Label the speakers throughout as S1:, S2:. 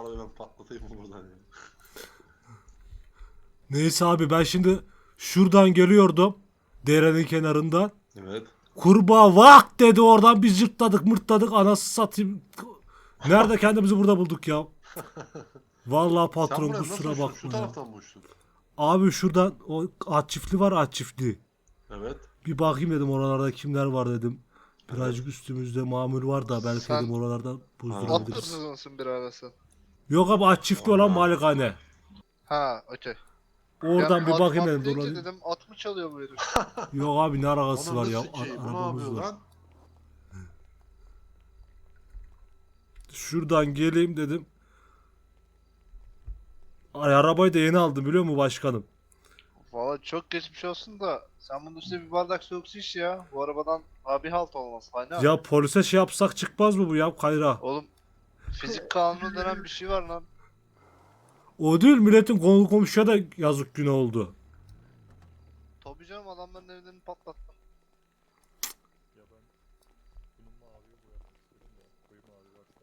S1: arabayı ben patlatayım mı buradan ya?
S2: Neyse abi ben şimdi şuradan geliyordum. Derenin kenarından.
S1: Evet.
S2: Kurbağa vak dedi oradan biz yırtladık mırtladık anası satayım. Nerede kendimizi burada bulduk ya? Vallahi
S1: Sen
S2: patron
S1: buraya nasıl
S2: kusura
S1: uçtun? Şu
S2: bakma ya.
S1: taraftan mı uçtun?
S2: Abi şuradan o at çiftliği var at çiftliği.
S1: Evet.
S2: Bir bakayım dedim oralarda kimler var dedim. Birazcık
S1: Evet.
S2: üstümüzde mamul var da belki dedim
S3: Sen
S2: oralarda
S3: at
S2: buzdurabiliriz.
S3: hırsız mısın bir arası?
S2: Yok abi at çiftliği olan
S1: Aa.
S2: malikane.
S3: Ha, okey.
S2: Oradan bir
S3: at
S2: bakayım
S3: mat
S2: dedim.
S3: deyince
S2: Dolanayım.
S3: dedim at mı çalıyor bu herif?
S2: Yok abi ne alakası var
S1: Onun
S2: ya
S1: da sikeyim. Bu ne
S2: arabamız
S1: yapıyor
S2: var.
S1: lan?
S2: Şuradan geleyim dedim. Ay, arabayı da yeni aldım biliyor musun başkanım?
S3: Valla çok geçmiş olsun da sen bunun üstüne bir bardak soğuk su iç ya. Bu arabadan abi halt olmaz. Aynen.
S2: Ya polise şey yapsak çıkmaz mı bu ya Kayra?
S3: Oğlum fizik kanunu denen bir şey var lan.
S2: O değil milletin konu komşuya da yazık günah oldu.
S3: Tabii canım adamların evlerini patlattım.
S4: Ya ben bunun maviye boyatmak istiyorum da koyu mavi varsa.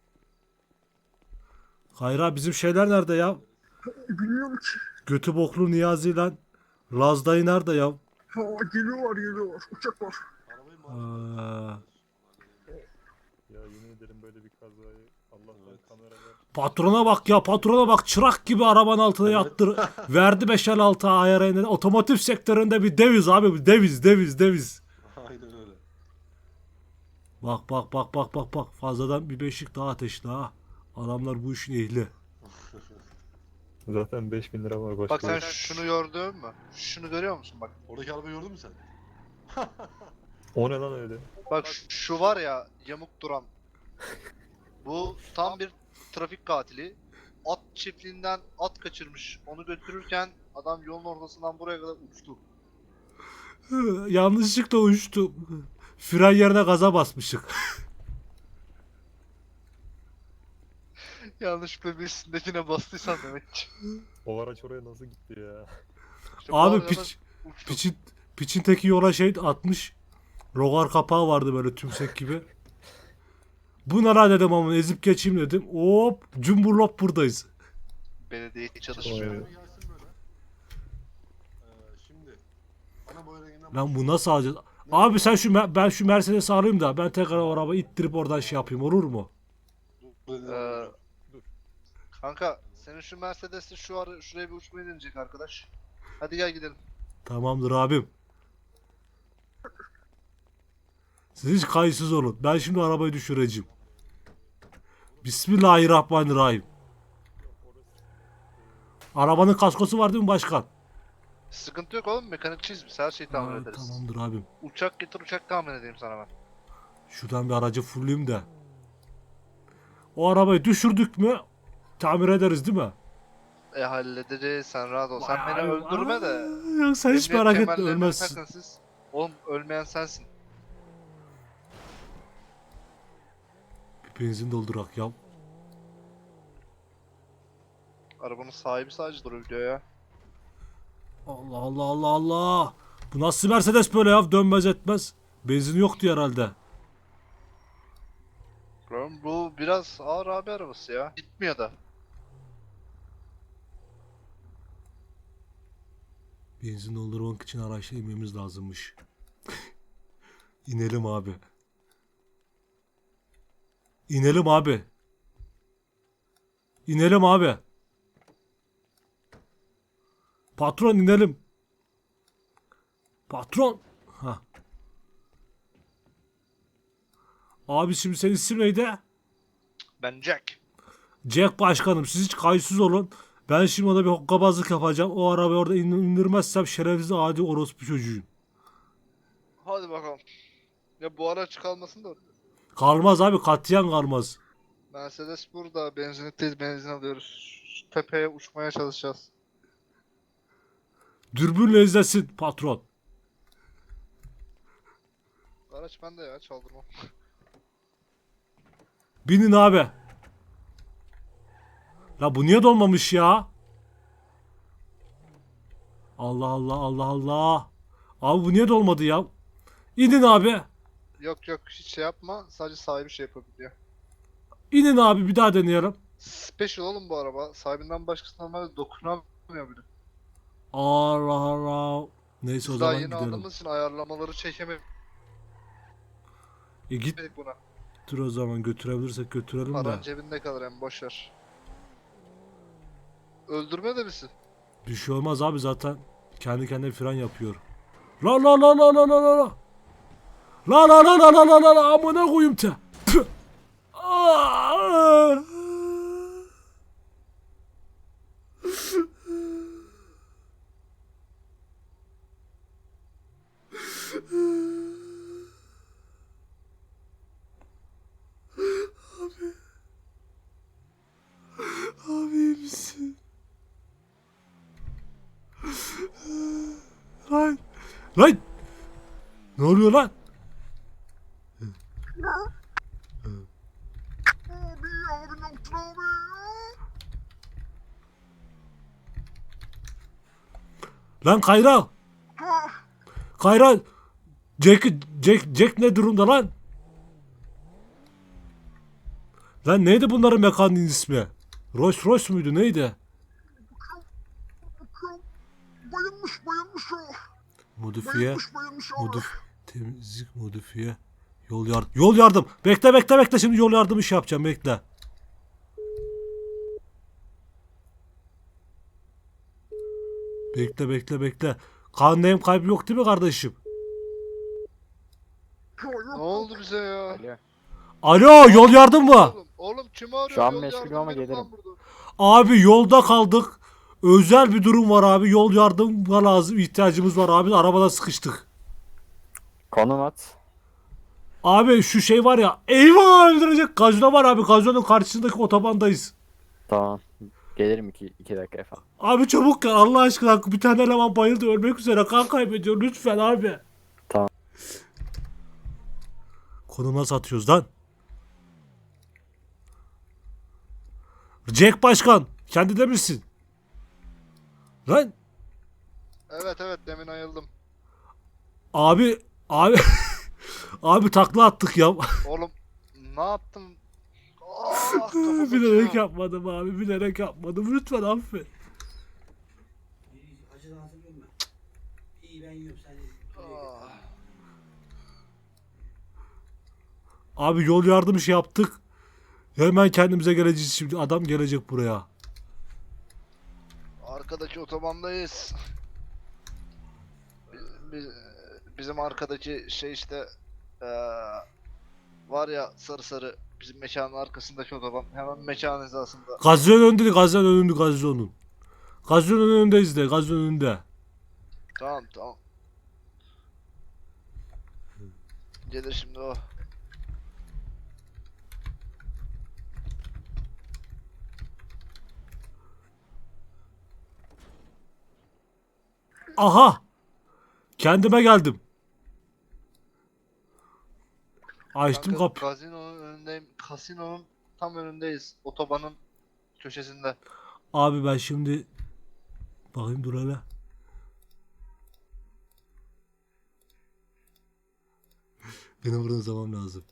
S2: Kayra bizim şeyler nerede ya?
S5: Bilmiyorum ki.
S2: Götü boklu Niyazi ile Laz dayı nerede ya?
S5: Ha, geliyorlar. Uçak var.
S1: Arabayı
S2: Aa,
S4: Ya yemin ederim böyle bir kazayı Allah'tan
S1: Evet.
S4: kameralar.
S2: patrona bak ya patrona bak çırak gibi arabanın altına
S1: Evet.
S2: yattır. Verdi 556 ayarına. Otomotiv sektöründe bir deviz abi bir deviz.
S1: Aynen öyle.
S2: Bak fazladan bir beşik daha ateşli ha. Adamlar bu işin ehli.
S4: Zaten 5000 lira var başka.
S3: Bak sen şunu gördün mü? Şunu görüyor musun bak?
S1: Oradaki arabayı gördün mü sen?
S4: O ne lan öyle?
S3: Bak şu var ya yamuk duran. Bu tam bir trafik katili. At çiftliğinden at kaçırmış. Onu götürürken adam yolun ortasından buraya kadar uçtu.
S2: Yanlışlıkla uçtu. Fren yerine gaza basmışık.
S3: Yanlışlıkla bir üstündekine bastıysan demek ki.
S4: O araç oraya nasıl gitti ya?
S3: İşte bu
S2: Abi
S3: arada uçtu.
S2: piçin teki yola şey atmış. Rogar kapağı vardı böyle tümsek gibi. Bu ne lan dedim ama ezip geçeyim dedim. Hop cumburlop buradayız.
S3: Belediye
S4: Vay
S3: çalışmıyor.
S4: be.
S1: Araba gelsin böyle. Şimdi. Bana bu renginden
S2: Lan bu nasıl alacağız? Abi sen ben şu Mercedes'i alayım da ben tekrar o arabayı ittirip oradan şey yapayım olur mu?
S3: Ee, Kanka senin şu Mercedes'te şuraya bir uçmayı deneyecek arkadaş. Hadi gel gidelim.
S2: Tamamdır abim. Siz hiç kayıtsız olun. Ben şimdi arabayı düşüreceğim. Bismillahirrahmanirrahim. Arabanın kaskosu var değil mi başkan?
S3: Sıkıntı yok oğlum, mekanikçiyiz biz, her şeyi tamir
S2: Ha,
S3: ederiz.
S2: tamamdır abim.
S3: Uçak getir, uçak tahmin edeyim sana ben.
S2: Şuradan bir aracı fullayayım da. O arabayı düşürdük mü tamir ederiz değil mi?
S3: Halledeceğiz, sen rahat ol. Sen beni öldürme de.
S2: Yok sen hiç
S3: Emniyet
S2: merak etme
S3: kemerlerini
S2: ölmezsin.
S3: takın siz. Oğlum ölmeyen sensin.
S2: Bir benzin doldurak ya.
S3: Arabanın sahibi sadece duruyor ya.
S2: Allah. Bu nasıl Mercedes böyle ya dönmez etmez. Benzin yoktu herhalde.
S3: Oğlum bu biraz ağır abi arabası ya. Gitmiyor da.
S2: Benzin doldurmak için araçla inmemiz lazımmış. İnelim abi. İnelim abi. İnelim abi. Patron inelim. Patron. Ha. Abi şimdi senin isim neydi?
S3: Ben Jack.
S2: Jack başkanım siz hiç kayıtsız olun. Ben şimdi ona bir hokkabazlık yapacağım. O arabayı orada indirmezsem şerefsiz adi orospu çocuğuyum.
S3: Hadi bakalım. Ya bu araç kalmasın da.
S2: Kalmaz abi katiyen kalmaz.
S3: Mercedes burada. Benzinlikteyiz, benzin alıyoruz. Şu tepeye uçmaya çalışacağız.
S2: Dürbünle izlesin patron.
S3: Araç bende ya, çaldırmam.
S2: Binin abi. La bu niye dolmamış ya? Allah. Abi bu niye dolmadı ya? İnin abi.
S3: Yok hiç şey yapma. Sadece sahibi şey yapabiliyor.
S2: İnin abi bir daha deneyelim.
S3: Special oğlum bu araba. Sahibinden başkası normalde dokunamıyor bile.
S2: Allah Allah. Neyse o
S3: Biz daha
S2: zaman
S3: yeni
S2: gidelim.
S3: aldığımız için ayarlamaları çekemedik
S2: Git
S3: buna.
S2: dur o zaman götürebilirsek götürelim de.
S3: Paran cebinde kalır hem boşver. Öldürme de bizi.
S2: Bir şey olmaz abi zaten kendi kendine fren yapıyor. La la la la la la la la. La la la la la la la la amına koyayım te. Püh. Aa! Abi iyi misin? Lan. Lan. Ne oluyor lan?
S5: Abi abi ne yaptın abi?
S2: Lan Kayra.
S5: Ha,
S2: Kayra. Jack ne durumda lan? Lan neydi bunların mekanın ismi? Rolls Royce muydu neydi?
S5: bakıyorum. Bayılmış o.
S2: Modifiye.
S5: Bayılmış abi.
S2: Temizlik modifiye. Yol yardım. Bekle şimdi yol yardım işi yapacağım bekle. Bekle. Kan neyim kaybı yok değil mi kardeşim?
S5: Ha, yok.
S3: Ne oldu bize ya?
S6: Alo.
S2: Alo yol yardım mı?
S3: Oğlum kimi arıyor?
S6: Şu an
S3: Yol
S6: meşgulüm
S3: yardım
S6: ama
S3: benim
S6: gelirim.
S3: lan burada.
S2: Abi yolda kaldık. Özel bir durum var abi. Yol yardım lazım. İhtiyacımız var abi. Arabada sıkıştık.
S6: Konum at.
S2: Abi şu şey var ya. Eyvah öldürecek. Gazino var abi. Gazinonun karşısındaki otobandayız.
S6: Tamam. Gelirim iki dakika efendim.
S2: Abi çabuk gel Allah aşkına. Bir tane eleman bayıldı ölmek üzere. Kan kaybediyor. Lütfen abi.
S6: Tamam.
S2: Konuma satıyoruz lan. Jack Başkan. Kendi de misin? Lan.
S3: Evet demin ayıldım.
S2: Abi. Abi takla attık ya.
S3: Oğlum ne yaptım? Kafam
S2: Bilerek
S3: açıyor.
S2: yapmadım abi. Bilerek yapmadım. Lütfen affet.
S7: Acıdan hatırlıyorum ben. İyi ben yiyorum sen ye.
S3: Ah.
S2: Abi yol yardım işi yaptık. Hemen kendimize geleceğiz şimdi. Adam gelecek buraya.
S3: Arkadaki otobandayız. Bizim arkadaki şey işte var ya sarı bizim mekanın arkasındaki otoban hemen mekanın hizasında.
S2: Gazinonun önünde değil, gazinonun. Gazinonun önündeyiz de, gazinonun önünde.
S3: Tamam. Gelir şimdi o.
S2: Aha! Kendime geldim. Açtım
S3: Kanka,
S2: kapı.
S3: Kasinonun önündeyim. Kasinonun tam önündeyiz. Otobanın köşesinde.
S2: Abi ben şimdi... Bakayım dur hele. Beni buradan zaman lazım.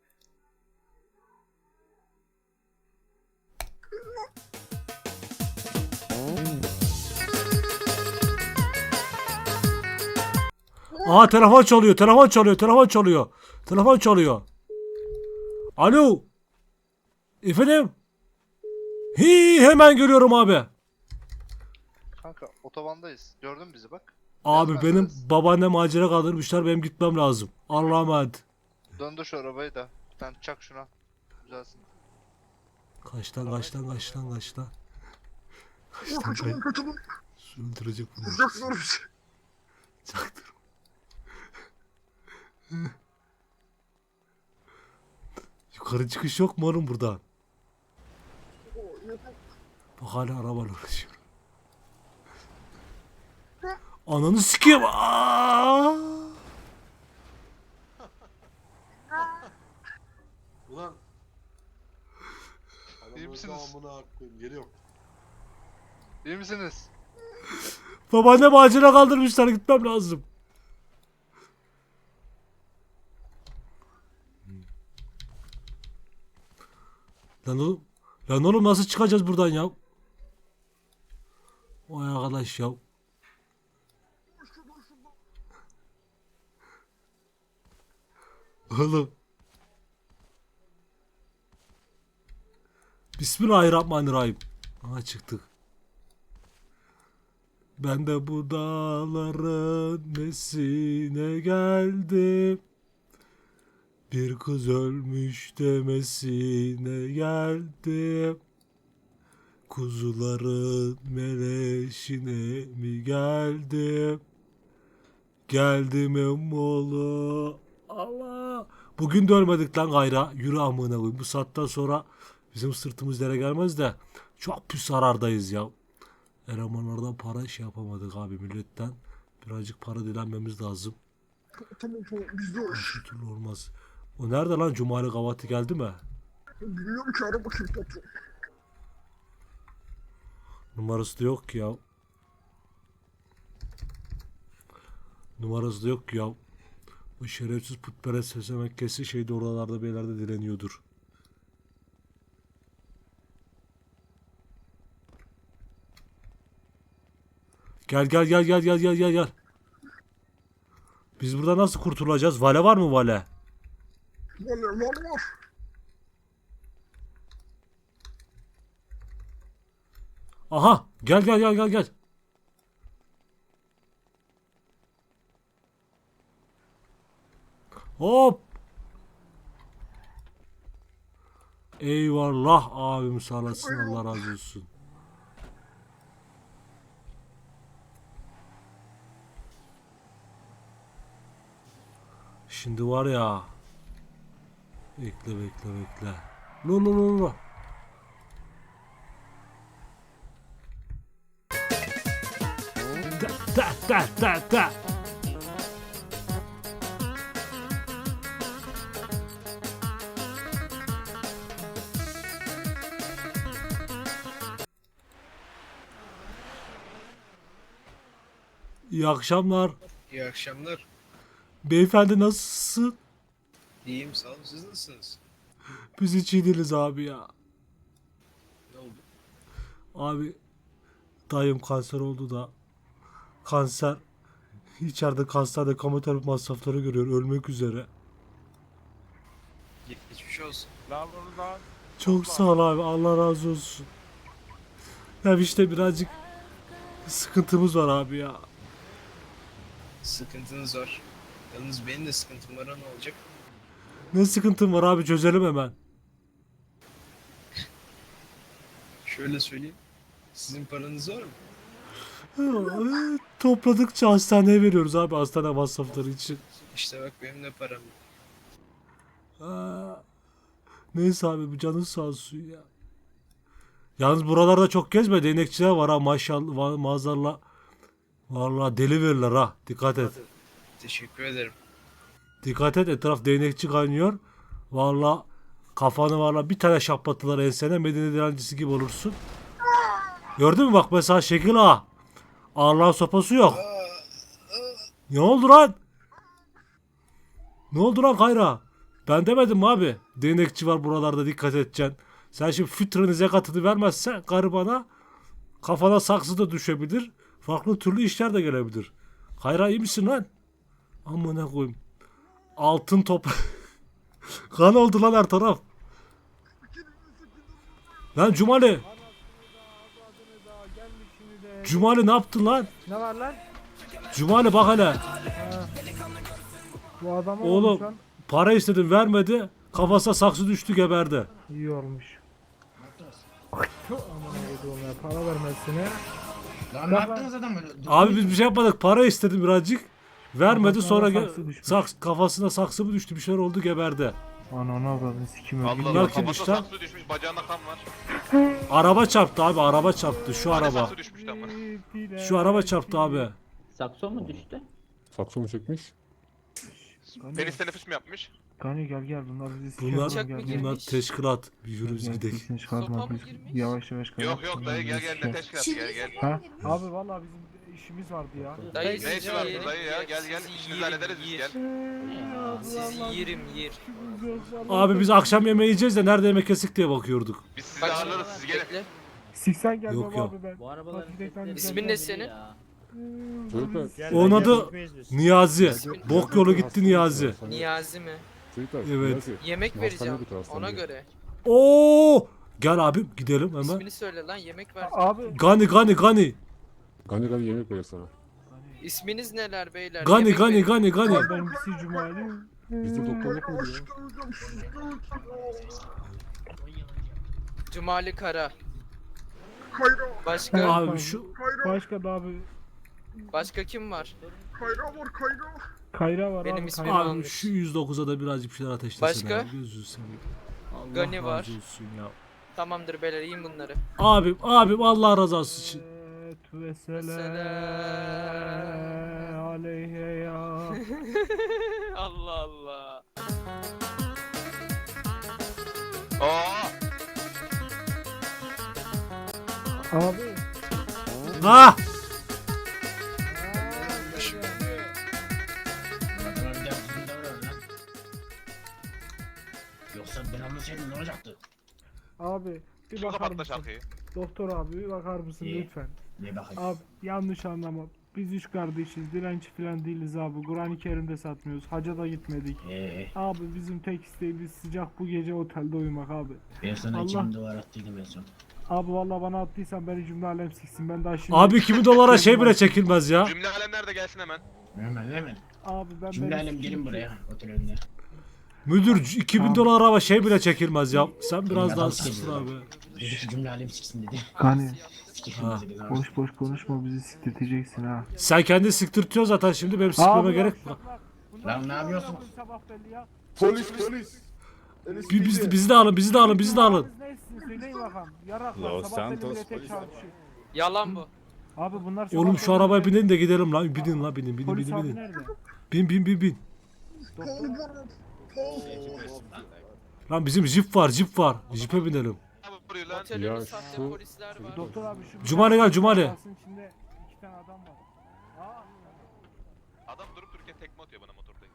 S2: Aha telefon çalıyor. Alo. Efendim? Hemen geliyorum abi.
S3: Kanka otobandayız. Gördün mü bizi bak.
S2: Abi
S3: Beyaz
S2: benim
S3: Mercedes.
S2: babaannem acele kaldırmışlar benim gitmem lazım. Allah'a emanet.
S3: Döndür şu arabayı da. Sen çak şuna. Güzelsin.
S2: Kaçtan.
S5: Kaçalım.
S2: Öldürecek bunu.
S5: Vuracaksın bizi.
S2: Çaktırma. Yukarı çıkış yok mu oğlum buradan? Bak hala arabayla uğraşıyor. Ananı sikeyim. Aa!
S1: Ulan. Adam
S3: İyi
S1: öldü
S3: misiniz?
S1: amına koyayım. Geliyorum.
S3: İyi misiniz?
S2: Babaannem acele kaldırmışlar gitmem lazım. Lan oğlum. Lan oğlum nasıl çıkacağız buradan ya? Vay arkadaş ya. Oğlum. Bismillahirrahmanirrahim. Aha çıktık. Ben de bu dağların nesine geldim. Bir kız ölmüş demesine geldim. Kuzuların meleşine mi geldim? Geldim emmoğlu. Allah. Bugün de ölmedik lan gayra. Yürü amına koyayım. Bu saatten sonra bizim sırtımız yere gelmez de çok pis zarardayız ya. Elemanlardan para şey yapamadık abi milletten. Birazcık para dilenmemiz lazım.
S5: Tamam bizde o iş.
S2: Şu türlü olmaz. O nerede lan? Cumali Gavati geldi mi?
S5: Bilmiyorum ki ara bakayım patron.
S2: Numarası da yok ki ya. Numarası da yok ki ya. Bu şerefsiz putperest sesemekkesi şeyde oralarda bir yerlerde direniyordur. Gel. Biz burada nasıl kurtulacağız? Vale var mı vale?
S5: Var.
S2: Aha gel. Hop. Eyvallah abim sağ olasın Allah razı olsun. Şimdi var ya. Bekle. Lo. Da. İyi akşamlar.
S8: İyi akşamlar.
S2: Beyefendi nasılsın?
S8: İyiyim sağ olun. Siz nasılsınız?
S2: Biz hiç iyi değiliz abi ya.
S8: Ne oldu?
S2: Abi dayım kanser oldu da kanser içeride kanserde kemoterapi masrafları görüyor ölmek üzere.
S8: Geçmiş olsun.
S4: Lan oradan.
S2: Çok sağ ol abi Allah razı olsun. Ya işte birazcık sıkıntımız var abi ya.
S8: Sıkıntınız var. Yalnız benim de sıkıntım var, ne olacak?
S2: Ne sıkıntım var abi çözelim hemen.
S8: Şöyle söyleyeyim. Sizin paranız var mı?
S2: Topladıkça hastaneye veriyoruz abi hastane masrafları için.
S8: İşte bak benim de param yok.
S2: Neyse abi bu canın sağ olsun ya. Yalnız buralarda çok gezme değnekçiler var ha maşallah maazallah. Vallahi deli verirler ha dikkat et.
S8: Teşekkür ederim.
S2: Dikkat et etraf değnekçi kaynıyor. Vallahi kafanı vallahi bir tane şaplattılar ensene Medine direncisi gibi olursun. Gördün mü bak mesela şekil ha. Allah'ın sopası yok. Ne oldu lan? Ne oldu lan Kayra? Ben demedim mi abi? Değnekçi var buralarda dikkat edeceksin. Sen şimdi fütrenin zekatını vermezsen karı bana kafana saksı da düşebilir. Farklı türlü işler de gelebilir. Kayra iyi misin lan? Amına koyayım. Altın top. Kan oldu lan her taraf. Lan Cumali. Cumali ne yaptın lan?
S9: Ne var lan?
S2: Cumali bak hele.
S9: Bu adama
S2: Oğlum.
S9: olmuş lan.
S2: Para istedim vermedi. Kafasına saksı düştü geberdi.
S9: İyi olmuş. Aman Allah'ım ya para vermezsine.
S7: Lan ne yaptınız adam böyle?
S2: Abi biz bir şey yapmadık. Para istedim birazcık. Vermedi
S9: Kafasına
S2: sonra
S9: saksı düşmüş.
S2: kafasına saksı mı düştü bir şeyler oldu geberdi.
S9: Ananı avradını sikim öldü.
S2: Bunlar kimmiş lan?
S10: düşmüş, bacağında kan var.
S2: Araba çarptı abi araba çarptı şu araba.
S10: Saksı düşmüş ama.
S2: Şu araba çarptı abi.
S11: Sakso mu düştü?
S4: Sakso mu çekmiş?
S10: Penis teneffüs mü yapmış?
S9: Gani gel bunlar bizi sikiyor.
S2: Bunlar teşkilat. Bir yürü biz gidelim.
S9: Çıkartma biz yavaş yavaş
S10: Yok dayı gel ne teşkilatı gel.
S9: Ha? Abi vallahi bizim işimiz vardı ya.
S11: Dayı
S10: Ne işi var
S11: sizi
S10: dayı ya?
S11: yerim,
S10: Gel gel.
S11: sizi
S10: İşinizi
S11: yerim,
S10: hallederiz biz
S11: yer.
S10: gel.
S11: Sizi yerim yer.
S2: Abi biz akşam yemeği yiyeceğiz de nerede yemek kesik diye bakıyorduk.
S10: Biz sizi
S11: Kaç
S10: ağırlarız siz gelin.
S11: bekle.
S9: Siksen gelmem
S2: Yok, yok.
S9: abi ben.
S12: Bu arabaların
S9: Patatesden
S12: sesleri
S11: İsmin ne senin?
S2: Onun adı Niyazi. Bok yolu gitti Niyazi.
S11: Niyazi mi?
S2: Evet.
S11: Yemek vereceğim ona göre.
S2: Oo! Gel abim gidelim hemen.
S11: İsmini söyle lan yemek ver.
S9: Abi
S2: Gani gani gani.
S5: Gani yemek verir sana.
S11: İsminiz neler beyler?
S2: Gani
S11: Yemek
S2: gani
S11: verin.
S2: gani gani.
S9: benimkisi Cumali.
S5: Bizde doktorluk mu diyor?
S11: Cumali Kara.
S5: Kayra,
S11: Başka?
S2: Abi şu
S9: Başka da abi.
S11: Başka kim var?
S5: Kayra var Kayra.
S9: Kayra var
S11: Benim
S9: abi.
S11: ismim
S9: Kayra.
S2: abi
S11: Yanlış.
S2: şu 109'a da birazcık bir şeyler ateşlesene.
S11: Başka?
S2: abi, gözünü seveyim. Allah
S11: Gani
S2: razı
S11: var.
S2: olsun ya.
S11: Tamamdır beyler yiyin bunları.
S2: Abim Allah razı olsun için.
S9: Ve
S11: Selam.
S9: aleyhe ya.
S11: Allah Allah.
S10: Oo!
S9: Abi.
S2: Ha!
S7: Adama bir daha düzgün davran lan. Yoksa ben anlasaydım ne olacaktı?
S9: Abi bir
S10: Kim
S9: bakar
S10: kapattı
S9: mısın?
S10: şarkıyı?
S9: Doktor abi bir bakar mısın
S7: İyi.
S9: lütfen?
S7: Ne bakayım?
S9: Abi yanlış anlama. Biz üç kardeşiz. Dilenci falan değiliz abi. Kur'an-ı Kerim'de satmıyoruz. Hacca da gitmedik. Abi bizim tek isteğimiz sıcak bu gece otelde uyumak abi.
S7: Ben sana
S9: Allah.
S7: 2000 dolar attıydım en son.
S9: Abi vallahi bana attıysan beni cümle alem siksin. Ben daha şimdi...
S2: Abi 2000 dolara şey bile çekilmez ya.
S10: Cümle alemler de gelsin hemen.
S7: Hemen.
S9: Abi ben
S7: Cümle
S9: beni
S7: alem
S9: sikeyim
S7: gelin
S9: ki.
S7: buraya otel önüne.
S2: Müdür 2000 dolar araba şey bile çekilmez ya. Sen biraz
S7: Adam
S2: daha
S7: sikecek
S2: sıksın
S7: adam.
S2: abi.
S7: Dedi ki cümle alem siksin dedi.
S9: Hani
S7: Sikerim
S2: Ha.
S7: dedi.
S9: boş boş konuşma bizi siktirteceksin ha.
S2: Sen kendi siktirtiyorsun zaten şimdi benim sikmeme gerek yok.
S7: Lan ne yapıyorsun?
S9: Sabah belli ya.
S5: Polis.
S2: Bizi de alın bizi de alın.
S9: Neysin söyleyin bakalım. Yaraklar
S12: Los
S9: sabah belli
S12: Santos
S9: bile tek
S12: polis.
S9: çarpışıyor.
S11: Yalan bu.
S9: Abi bunlar sabah
S2: Oğlum şu
S9: belli
S2: arabaya
S9: bile-
S2: binin de gidelim lan. Binin la binin
S9: Polis abi
S2: binin.
S9: nerede?
S2: Bin.
S9: Doktor
S2: Lan bizim jip var. Jipe binelim.
S10: Ne vuruyor lan?
S11: Otelin
S5: Ya
S11: sahte
S5: şu-
S11: polisler var.
S9: Doktor abi şu
S2: Cumali gel, Cumali.
S9: Arabasının içinde 2 tane adam var.
S10: Adam durup dururken tekme atıyor bana motordayken.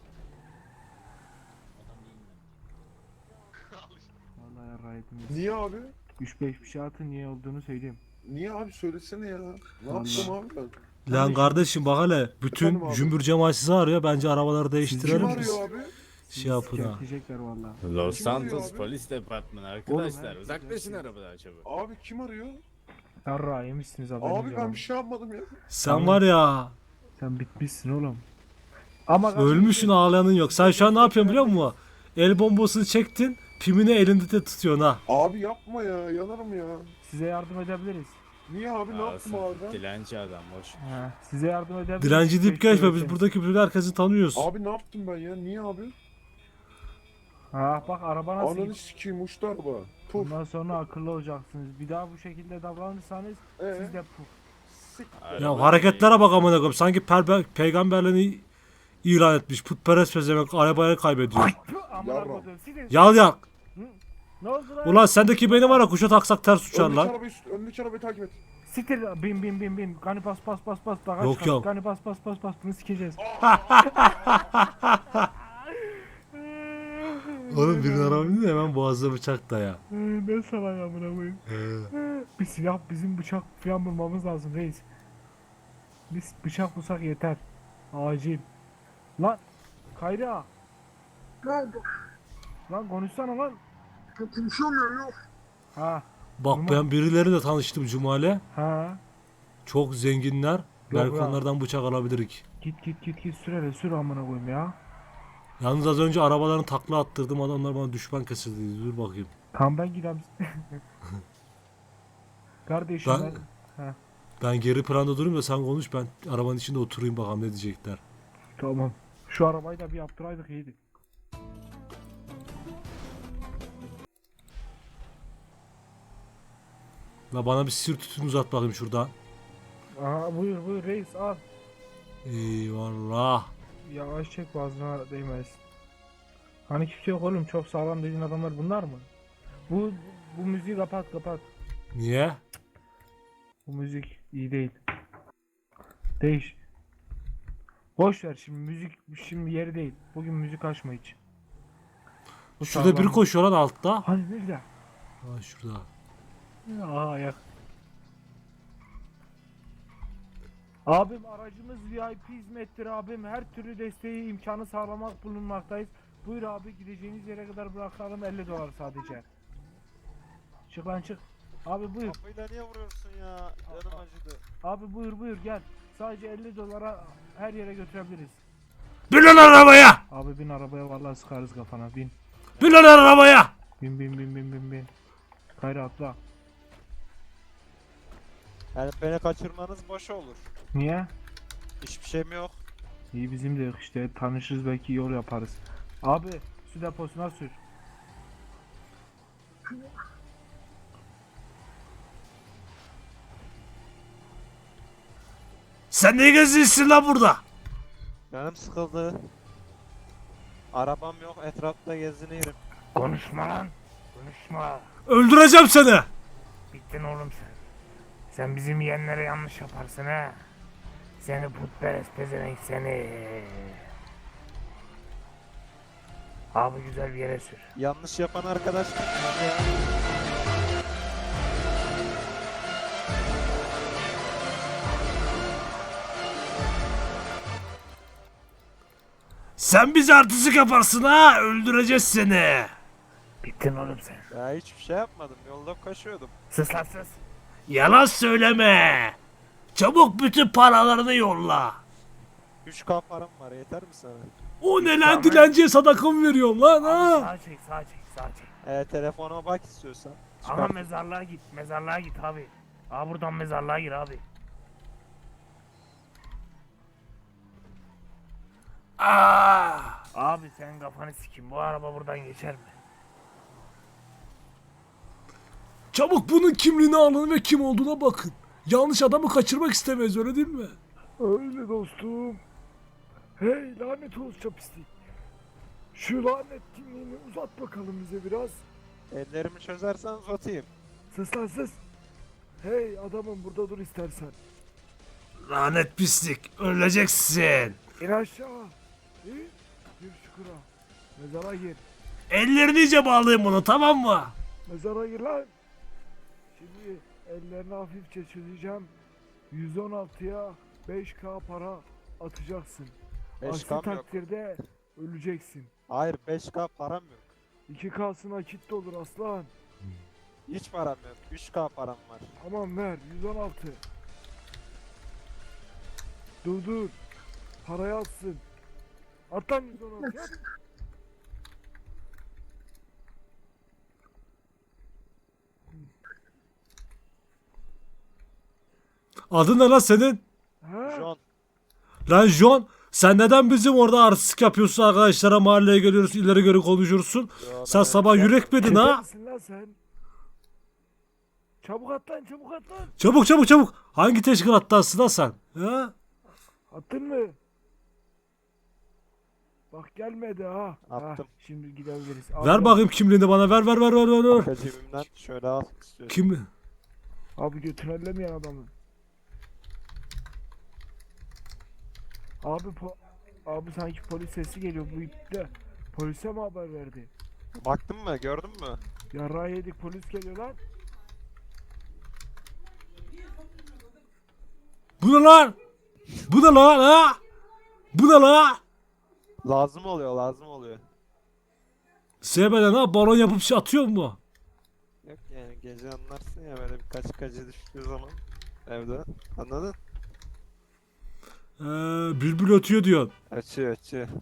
S9: Vallahi yarraydım.
S5: Niye abi?
S9: 3-5 bir şey atın niye olduğunu söyleyeyim.
S5: Niye abi söylesene ya. Ne
S9: Vallahi.
S5: yaptım abi ben?
S2: Lan kardeşim bak hele. Bütün
S5: Efendim abi?
S2: cümbür cemaat sizi arıyor. Bence arabaları
S5: Kim
S2: değiştirelim biz.
S5: arıyor abi?
S2: Şey yapın ha.
S9: Sikecekler vallahi.
S12: Los
S5: Kim arıyor
S12: Santos
S5: abi?
S12: polis departmanı
S9: Oğlum,
S12: arkadaşlar.
S9: he.
S12: Uzaklaşın arabadan çabuk.
S5: Abi kim arıyor?
S9: Yarra yemişsiniz haberiniz
S5: Abi
S9: yok
S5: ben
S9: ama.
S5: bir şey yapmadım ya.
S2: Sen var ya.
S9: Sen bitmişsin oğlum. Ama
S2: Ölmüşsün ağlayanın yok. Sen şu an ne yapıyorsun biliyor musun? El bombasını çektin. Pimini elinde de tutuyorsun ha.
S5: Abi yapma ya. Yanarım ya.
S9: Size yardım edebiliriz.
S5: Niye abi ne yaptım
S12: Olsun,
S5: abi ben?
S12: Dilenci adam boş.
S9: He, size yardım edebiliriz.
S2: Dilenci deyip
S9: Keşke
S2: geçme. Biz
S9: ölseniz.
S2: buradaki bütün herkesi tanıyoruz.
S5: Abi ne yaptım ben ya? Niye abi?
S9: Ha bak araba nasıl
S5: Ananı
S9: gidiyor.
S5: sikeyim uçtu araba. Puf.
S9: Bundan sonra akıllı olacaksınız. Bir daha bu şekilde davranırsanız siz de puf.
S5: Sik.
S2: Ya hareketlere bak amına koyayım. Sanki peygamberliğini ilan etmiş. Putperest pezevenk arabayı kaybediyor.
S9: Amına
S5: Yavrum.
S9: koydum. Sizin-
S2: Yal yak.
S9: Ne oldu lan?
S2: Ulan sendeki beni var ya kuşa taksak ters uçar
S5: Öndeki
S2: lan.
S5: arabayı, öndeki arabayı takip et.
S9: Siktir bin. Gani bas. Daha
S2: Yok,
S9: çıkar.
S2: yok.
S9: Gani bas. Bunu sikeceğiz.
S2: Oğlum birinin araba bindi de hemen boğazına bıçak da ya.
S9: Ne salak amına koyayım. Bir silah bizim bıçak falan bulmamız lazım reis. Biz bıçak bulsak yeter. Acil. Lan Kayra.
S5: Ne oldu?
S9: Lan konuşsana lan.
S5: Konuşamıyor yok.
S9: Ha.
S2: Bak ben birileriyle tanıştım Cumali.
S9: Ha.
S2: Çok zenginler. Belki
S9: ya.
S2: onlardan bıçak alabilirik.
S9: Git sür amına koyayım ya.
S2: Yalnız az önce arabalarını takla attırdım. Adamlar bana düşman kesildi. Dur bakayım.
S9: Tam ben gidem. Kardeşim
S2: Ben-
S9: ben...
S2: Ben geri planda durayım da sen konuş. Ben arabanın içinde oturayım bakalım ne diyecekler.
S9: Tamam. Şu arabayı da bir yaptıraydık iyiydi.
S2: La bana bir sir tütün uzat bakayım şuradan.
S9: Aha buyur reis al.
S2: Eyvallah.
S9: Yavaş çek boğazına değmez. Hani kimse yok oğlum çok sağlam dediğin adamlar bunlar mı? Bu müziği kapat.
S2: Niye?
S9: Bu müzik iyi değil. Değiş. Boş ver şimdi müzik şimdi yeri değil. Bugün müzik açma hiç. Bu
S2: Şurada biri
S9: sağlam.
S2: koşuyor lan altta.
S9: Hani nerede?
S2: Ha şurada.
S9: Aa ayak. Abim aracımız VIP hizmettir abim. Her türlü desteği imkanı sağlamak bulunmaktayız. Buyur abi gideceğiniz yere kadar bırakalım $50 sadece. Çık lan çık. Abi buyur.
S12: Kafayla niye vuruyorsun ya? Canım acıdı.
S9: Abi buyur gel. Sadece $50 her yere götürebiliriz.
S2: Bin lan arabaya!
S9: Abi bin arabaya vallahi sıkarız kafana bin.
S2: Bin lan arabaya!
S9: Bin. Kayra atla.
S12: Yani beni kaçırmanız boş olur.
S9: Niye?
S12: Hiçbir şeyim yok.
S9: İyi bizim de yok işte tanışırız belki yol yaparız. Abi su deposuna sür.
S2: Sen ne geziyorsun lan burada?
S12: Canım sıkıldı. Arabam yok, etrafta geziniyorum.
S9: Konuşma lan. Konuşma.
S2: Öldüreceğim seni.
S9: Bittin oğlum sen. Sen bizim yeğenlere yanlış yaparsın ha. Seni putperest pezevenk seni. Abi güzel bir yere sür.
S12: Yanlış yapan arkadaş mı? Ya.
S2: Sen bize artistik yaparsın ha. Öldüreceğiz seni.
S9: Bittin oğlum sen.
S12: Ya hiçbir şey yapmadım. Yolda koşuyordum.
S9: Sus lan sus.
S2: Yalan söyleme. Çabuk bütün paralarını yolla.
S12: 3K param var, yeter mi sana?
S2: O ne lan, dilenciye sadaka mı veriyorsun lan
S9: Abi
S2: ha?
S9: sağa çek.
S12: Telefonuma bak istiyorsan.
S9: Ama mezarlığa git abi. Abi buradan mezarlığa gir abi.
S2: Aa!
S9: Abi sen kafanı sikin bu araba buradan geçer mi?
S2: Çabuk bunun kimliğini alın ve kim olduğuna bakın. Yanlış adamı kaçırmak istemeyiz, öyle değil mi?
S5: Öyle dostum. Hey lanet olsun pislik. Şu lanet kimliğini uzat bakalım bize biraz.
S12: Ellerimi çözersen uzatayım.
S5: Sus lan sus. Hey adamım burada dur istersen.
S2: Lanet pislik, öleceksin.
S5: İn aşağı. İn. Gir çukura. Mezara gir.
S2: Ellerini iyice bağlayın bunu, tamam mı?
S5: Mezara gir lan. Şimdi ellerini hafifçe çözeceğim. 116'ya 5K para atacaksın. Aksi
S12: 5K'm yok.
S5: takdirde öleceksin.
S12: Hayır, 5K param yok.
S5: 2K'sı nakit de olur aslan.
S12: Hiç param yok. 3K param var.
S5: Tamam ver 116. Dur. Parayı atsın. At lan 116 at.
S2: Adın ne lan senin?
S5: Ha?
S12: John.
S2: Lan John, sen neden bizim orada artistik yapıyorsun, arkadaşlara mahalleye geliyorsun, ileri geri konuşursun?
S12: Yo,
S2: Sen
S12: ben
S2: sabah
S12: öyle-
S2: yürek mi yedin
S5: Çeker
S2: ha?
S5: misin lan sen? Çabuk at lan.
S2: Çabuk. Hangi teşkilattasın lan sen? Ha?
S5: Attın mı? Bak gelmedi ha.
S12: Attım.
S5: Şimdi gidebiliriz.
S2: Ver bakayım kimliğini bana, ver.
S12: Arka cebimden şöyle al istiyorum.
S2: Kim?
S5: Abi götünü ellemeyen adamı. Abi sanki polis sesi geliyor bu ipte. Polise mi haber verdi?
S12: Baktın mı? Gördün mü?
S5: Yarrağı yedik polis geliyor lan.
S2: Bu ne lan? Ha? Bu ne lan?
S12: Lazım oluyor.
S2: Sevmeden ha, balon yapıp şey atıyor mu?
S12: Yok yani gece anlarsın ya, böyle birkaç kacı düştüğü zaman evde. Anladın?
S2: Bülbül ötüyor diyorsun.
S12: Açıyor.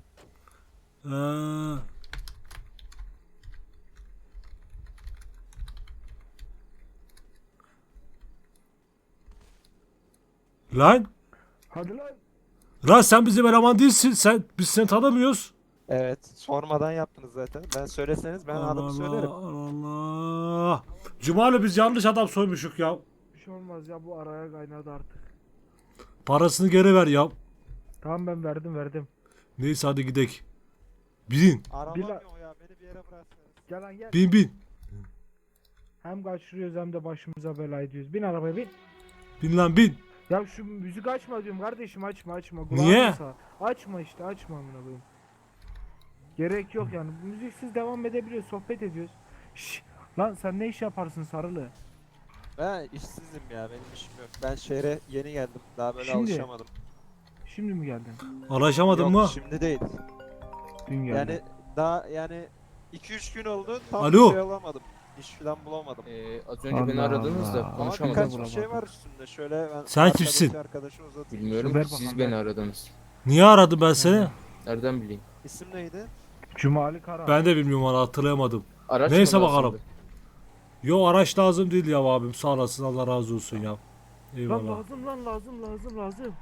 S2: Lan?
S5: Hadi lan.
S2: Lan sen bizim eleman değilsin. Biz seni tanımıyoruz.
S12: Evet, sormadan yaptınız zaten. Ben söyleseniz ben adımı söylerim.
S2: Allah. Cumali, biz yanlış adam soymuşuk ya.
S5: Bir şey olmaz ya bu araya kaynadı artık.
S2: Parasını geri ver ya.
S5: Tamam ben verdim.
S2: Neyse hadi gidek. Bin.
S12: Arabam
S5: Bila-
S12: yok ya, beni bir yere bıraksanız.
S5: Gel lan gel.
S2: Bin.
S9: Hem kaçırıyoruz hem de başımıza bela ediyoruz. Bin arabaya bin.
S2: Bin lan bin.
S9: Ya şu müzik açma diyorum kardeşim, açma.
S2: Niye?
S9: Kulağını sağ. Açma işte, açma amına koyayım. Gerek yok yani. Müziksiz devam edebiliyoruz, sohbet ediyoruz. Şşş. Lan sen ne iş yaparsın Sarılı?
S12: Ben işsizim ya, benim işim yok. Ben şehre yeni geldim. Daha böyle
S9: Şimdi?
S12: alışamadım.
S9: Şimdi mi geldin?
S2: Anlaşamadın
S12: Yok,
S2: mı?
S12: şimdi değil.
S9: Dün geldin.
S12: Yani daha yani 2-3 gün oldu. Tam
S2: Alo.
S12: bir şey alamadım. İş falan bulamadım.
S11: Az önce beni
S9: Allah
S11: aradınız da
S9: Allah.
S12: Ama
S11: konuşamadım.
S12: birkaç bir
S9: Bulamadım.
S12: şey var üstünde. Şöyle ben
S2: Sen
S12: arkadaki
S2: kimsin?
S12: arkadaşı uzatayım.
S11: Bilmiyorum
S9: Ver
S11: ki
S9: bakalım,
S11: siz
S9: ver.
S11: beni aradınız.
S2: Niye aradım ben seni?
S11: Nereden bileyim?
S12: İsim neydi?
S9: Cumali Kara.
S2: Ben de bilmiyorum valla, hatırlayamadım.
S11: Araç
S2: Neyse
S11: mı lazımdı?
S2: bakalım. Yo, araç lazım değil ya abim, sağ olasın, Allah razı olsun ya.
S9: Lan
S2: Eyvallah.
S9: lazım.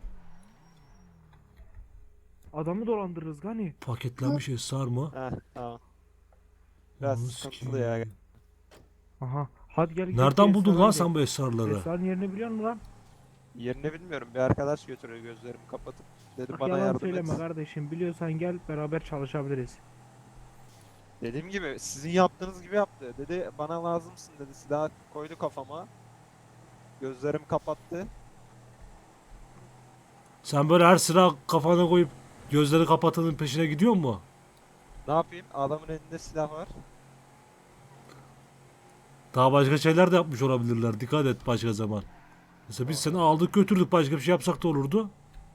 S9: Adamı dolandırırız Gani.
S2: Paketlenmiş esrar mı?
S12: Heh, tamam. Biraz
S2: Ananı
S12: sıkıntılı
S2: sikeyim.
S12: ya.
S9: Aha. Hadi gel.
S2: Nereden buldun lan sen bu esrarları?
S9: Esrarın yerini biliyor musun lan?
S12: Yerini bilmiyorum. Bir arkadaş götürüyor gözlerimi kapatıp. Dedi
S9: Bak
S12: bana
S9: yalan
S12: yardım
S9: söyleme
S12: et.
S9: kardeşim. Biliyorsan gel beraber çalışabiliriz.
S12: Dediğim gibi sizin yaptığınız gibi yaptı. Dedi bana lazımsın dedi. Silah koydu kafama. Gözlerimi kapattı.
S2: Sen böyle her sıra kafana koyup gözleri kapatanın peşine gidiyor mu?
S12: Ne yapayım? Adamın elinde silah var.
S2: Daha başka şeyler de yapmış olabilirler. Dikkat et başka zaman. Mesela biz seni aldık götürdük, başka bir şey yapsak da olurdu.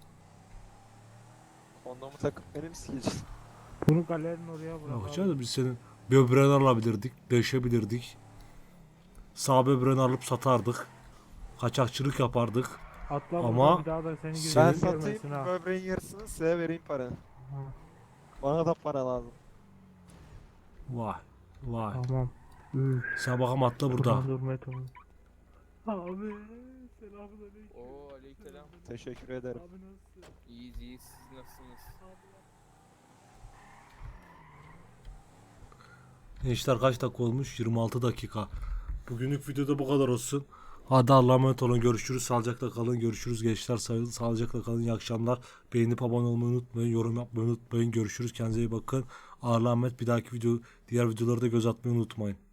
S12: Kondomu takıp benim sikeceğim.
S9: Bunu galerinin oraya bırak.
S2: Yok
S9: abi.
S2: canım, biz senin böbreğini alabilirdik, deşebilirdik. Sağ böbreğini alıp satardık. Kaçakçılık yapardık.
S9: Atla
S2: Ama
S9: buradan, bir daha da seni
S12: Ben
S9: gözünü
S12: satayım
S9: görmesin ha.
S12: böbreğin yarısını size vereyim para. Bana da para lazım.
S2: Vay vay.
S9: Tamam. Üf.
S2: Sen bakalım atla burada.
S9: Buradan durmaya tamam. Abi selamünaleyküm.
S11: Oo aleykümselam.
S12: Teşekkür ederim.
S9: Abi nasılsın?
S11: İyiyiz siz nasılsınız?
S2: Gençler kaç dakika olmuş? 26 dakika. Bugünlük videoda bu kadar olsun. Hadi Allah'a emanet olun. Görüşürüz. Sağlıcakla kalın. Görüşürüz gençler. Sağlıcakla kalın. İyi akşamlar. Beğenip abone olmayı unutmayın. Yorum yapmayı unutmayın. Görüşürüz. Kendinize iyi bakın. Allah'a emanet. Bir dahaki diğer videoları da göz atmayı unutmayın.